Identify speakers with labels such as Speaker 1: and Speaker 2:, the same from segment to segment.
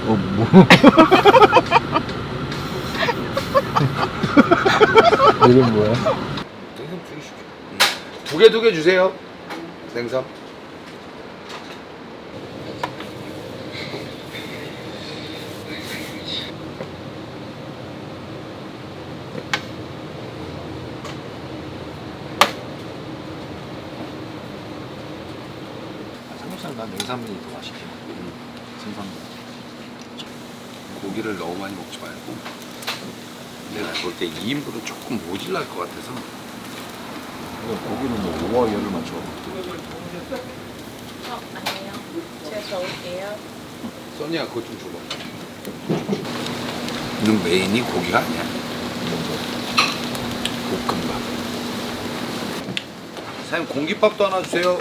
Speaker 1: 뭐. 이름 뭐야?
Speaker 2: 생선 튀기시죠. 두 개 주세요. 생선.
Speaker 3: 삼겹살은 난 냉삼면이 더 맛있긴 해. 생선보다.
Speaker 2: 고기를 너무 많이 먹지 말고 내가 볼 때 2인분은 조금 모질랄 것 같아서
Speaker 3: 고기는 뭐 5와 열을 맞춰.
Speaker 4: 아니에요. 제가 적을게요.
Speaker 2: 써니야 그거 좀 줘봐. 이는 메인이 고기가 아니야. 볶음밥. 사장님 공깃밥도 하나 주세요.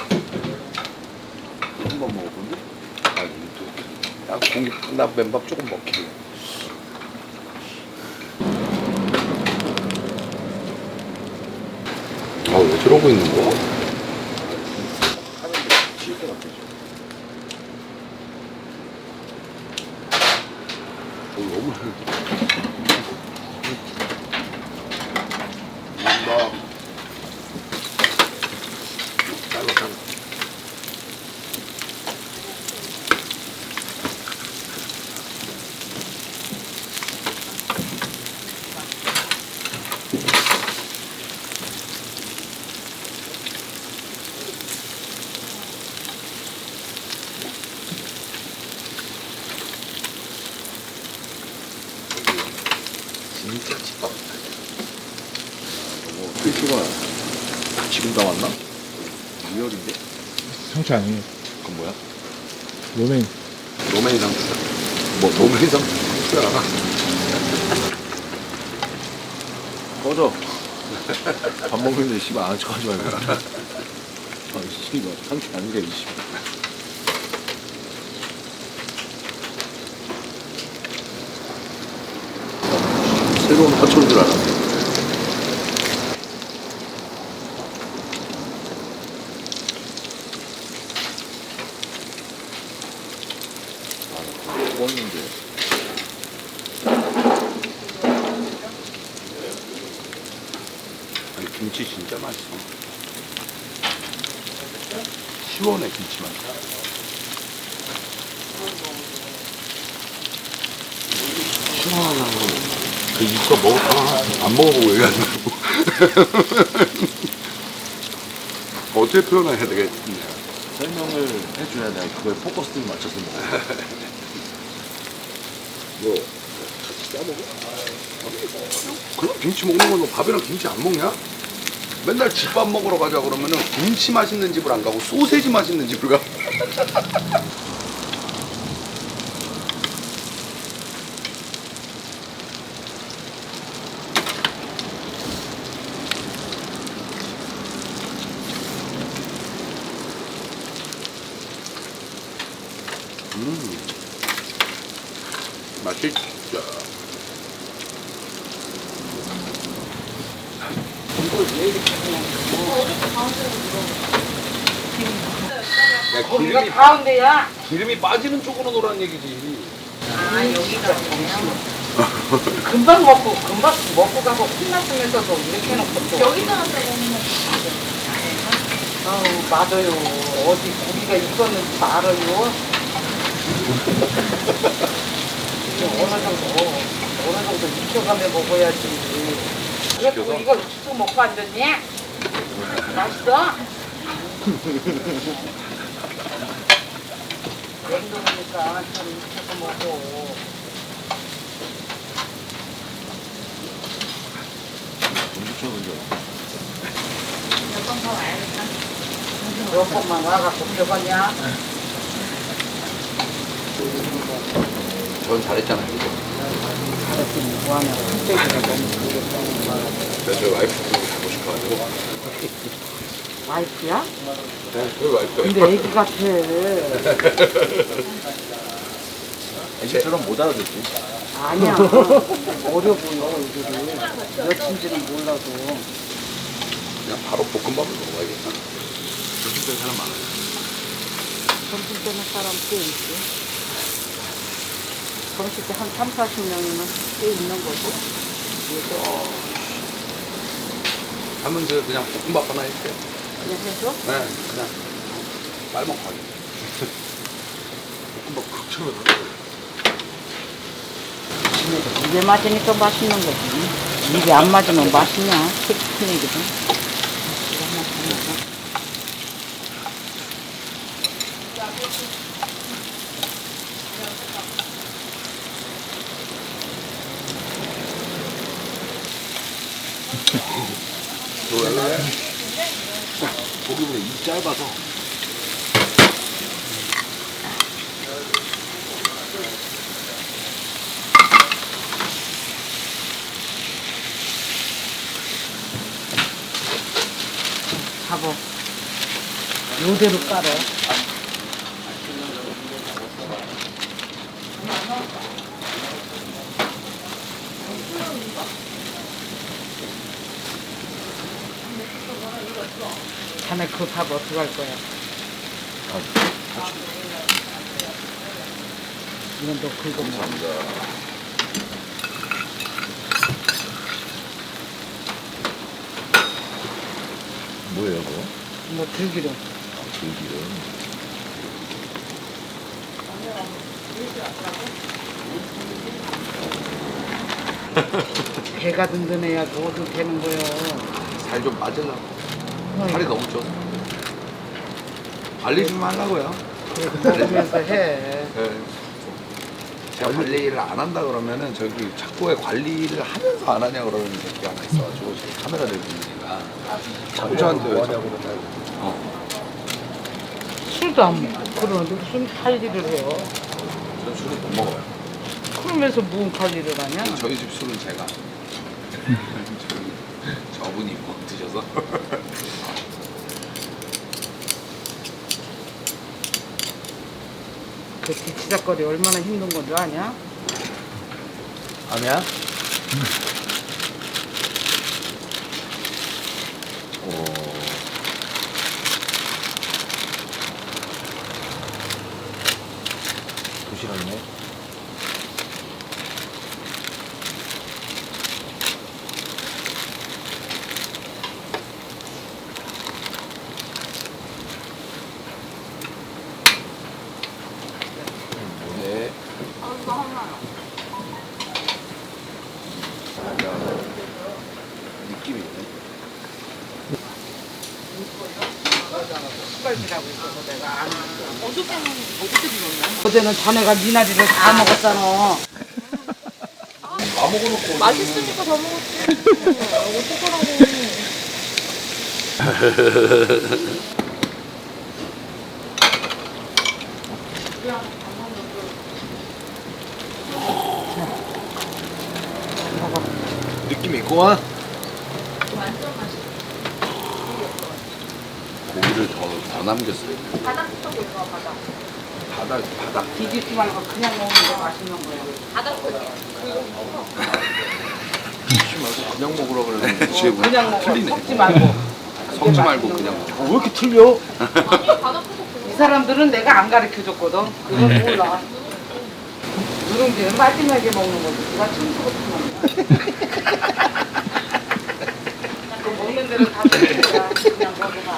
Speaker 3: 한번 먹어본데?
Speaker 2: 아 이거 나 공깃밥 나 맨밥 조금 먹길래. 아 왜 저러고 있는 거야?
Speaker 3: 칠것 같아.
Speaker 2: 너무 막 잘라. 진짜 집밥이다.
Speaker 3: 뭐 필수가 지금 다 왔나? 리얼인데?
Speaker 1: 상추 아니에요.
Speaker 3: 그건 뭐야?
Speaker 1: 로메인.
Speaker 2: 로맨 상추다.
Speaker 3: 뭐
Speaker 2: 로맨 상추야.
Speaker 3: 꺼져. 밥 먹는데 씨발 아는 척 하지 말고. 아 씨발 상추 아닌데 이 씨발. 새로운 화초인 줄 알았네. 아, 먹었는데.
Speaker 2: 아니 김치 진짜 맛있어. 시원해 김치 맛. 시원한 거. 그 이거 먹어 안 먹어보고 얘기하는 거고. 어떻게 표현해야 되겠냐.
Speaker 3: 설명을 해줘야 내가 그거에 포커스를 맞춰서 먹어.
Speaker 2: 뭐 같이 싸 먹어? 그럼 김치 먹는 건 너 밥이랑 김치 안 먹냐? 맨날 집밥 먹으러 가자 그러면은 김치 맛있는 집을 안 가고 소세지 맛있는 집을 가. 맛있죠. 야,
Speaker 5: 거기가 가운데야.
Speaker 2: 기름이 빠지는 쪽으로 놓으라는 얘기지.
Speaker 5: 아, 여기가 정이야. 금방 먹고 가고 혼났으면서도 이렇게 해놓고 또.
Speaker 4: 여기다가 먹는 거
Speaker 5: 아우, 맞아요. 어디 고기가 있었는지 알아요. 이게 어느 정도 익혀가며 먹어야지. 그래도 이걸 또 먹고 앉았니? 맛있어? 냉동이니까 좀 익혀서 먹어.
Speaker 4: 몇번 더 와야겠다.
Speaker 5: 몇 번만 와갖고 배웠냐?
Speaker 2: 전 잘했잖아요. 그죠?
Speaker 5: 잘했더니 뭐하냐고. 흑돼지가 너무 그게
Speaker 2: 저희 와이프 보고 자고 싶어가지고.
Speaker 5: 와이프야?
Speaker 2: 네, 저희 와이프가.
Speaker 5: 근데 애기 같아.
Speaker 3: 애기처럼 못 알아듣지.
Speaker 5: 아니야. 어려 보여, 이들이. 몇인지는 몰라도.
Speaker 2: 그냥 바로 볶음밥을 먹어야겠다.
Speaker 3: 조심 된 사람 많아요.
Speaker 5: 점심 때는 사람 꽤 있지. 점심 때한 3, 40명이면 꽤 있는 거지.
Speaker 2: 하면 그냥 볶음밥 하나 해줄게.
Speaker 5: 그냥 해줘?
Speaker 2: 네, 그냥 빨먹고 하게. 볶음밥 극처럼 하고.
Speaker 5: 입에 맞으니까 맛있는 거지. 입에 안 맞으면 맛있냐? 큰 얘기든.
Speaker 2: 왜? 고기보다 입 짧아서.
Speaker 5: 잡어. 요대로 깔어. 자네 그 밥 어떻게 할 거야? 이건 너 긁어 먹어.
Speaker 3: 뭐예요, 그거?
Speaker 5: 뭐 들기름.
Speaker 3: 들기름.
Speaker 5: 배가 든든해야 뭐든 되는 거요.
Speaker 2: 살 좀 빠질라고. 살이 너무 쪄서. 관리 좀 하려고요.
Speaker 5: 그래도 먹으면서 해.
Speaker 2: 네. 제가 관리를 안 한다 그러면은 저기 자꾸 관리를 하면서 안 하냐 그러는 새끼가 하나 있어가지고 지금 카메라 들고 있으니까 자꾸 저한테 왜 자꾸
Speaker 5: 술도 안 먹고 그러는데 무슨 관리를 해요?
Speaker 2: 전 술을 못 먹어요.
Speaker 5: 그러면서 무슨 관리를 하냐?
Speaker 2: 저희 집 술은 제가 저분이 뭐 드셔서
Speaker 5: 그 뒤치작거리 얼마나 힘든 건 줄 아냐?
Speaker 3: 아니야? 오. 도시락이네.
Speaker 2: 네. 느낌이 있네.
Speaker 5: 숟갈질하고 있어서 내가 안 했어. 어제는 자네가 미나리를 다 먹었잖아.
Speaker 2: 다 먹어놓고
Speaker 4: 맛있으니까 더 먹었지. 어떡하라고.
Speaker 3: 느낌 있구만.
Speaker 2: 고기를 더 남겼어요.
Speaker 4: 바닥부터 볼까 바닥.
Speaker 2: 바닥.
Speaker 5: 뒤집지 말고 그냥 먹는 게 맛있는 거야.
Speaker 4: 바닥부터.
Speaker 2: 그냥 먹으라 그러는데 지금
Speaker 5: 그냥 먹어.
Speaker 2: 틀리네.
Speaker 5: 섞지 말고.
Speaker 2: 섞지 말고 그냥 먹어.
Speaker 3: 왜 이렇게 틀려?
Speaker 4: 아니 바닥부터
Speaker 5: 이 사람들은 내가 안 가르쳐줬거든. 그건 몰라. 누룽지는 마지막에 먹는 거지. 누가 처음부터 먹는 거야. 그 먹는 대로 다 먹는 거야. 그냥 먹어봐.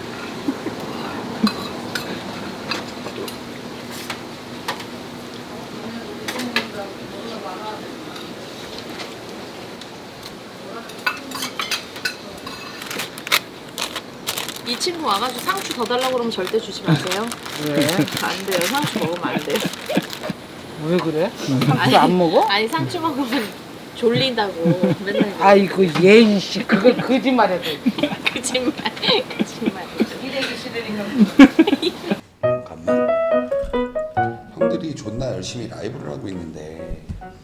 Speaker 4: 이 친구 와가지고 상추 더 달라고 그러면 절대 주지 마세요.
Speaker 5: 왜?
Speaker 4: 안 돼요. 상추 먹으면 안 돼요.
Speaker 5: 왜 그래? 상추 안 먹어?
Speaker 4: 아니 상추 먹으면 졸린다고 맨날.
Speaker 5: 아이고 예인 씨 그걸 거짓말해.
Speaker 4: 거짓말. 거짓말.
Speaker 5: 이래기 싫으니까.
Speaker 2: 잠깐만. 형들이 존나 열심히 라이브를 하고 있는데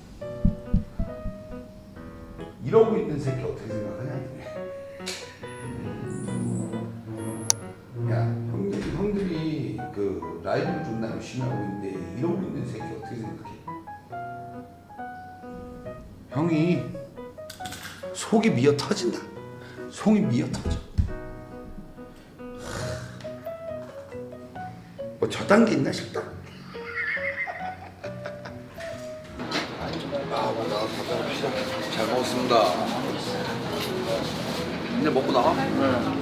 Speaker 2: 이러고 있는 새끼 어떻게 생각하냐? 야, 형들이 그 라이브를 존나 열심히 하고 있는데 이러고 있는 새끼 어떻게 생각해? 형이 속이 미어 터진다. 속이 미어 터져. 뭐 저 단계 있나 싶다. 잘 먹었습니다. 이제 먹고 나가?
Speaker 1: 네.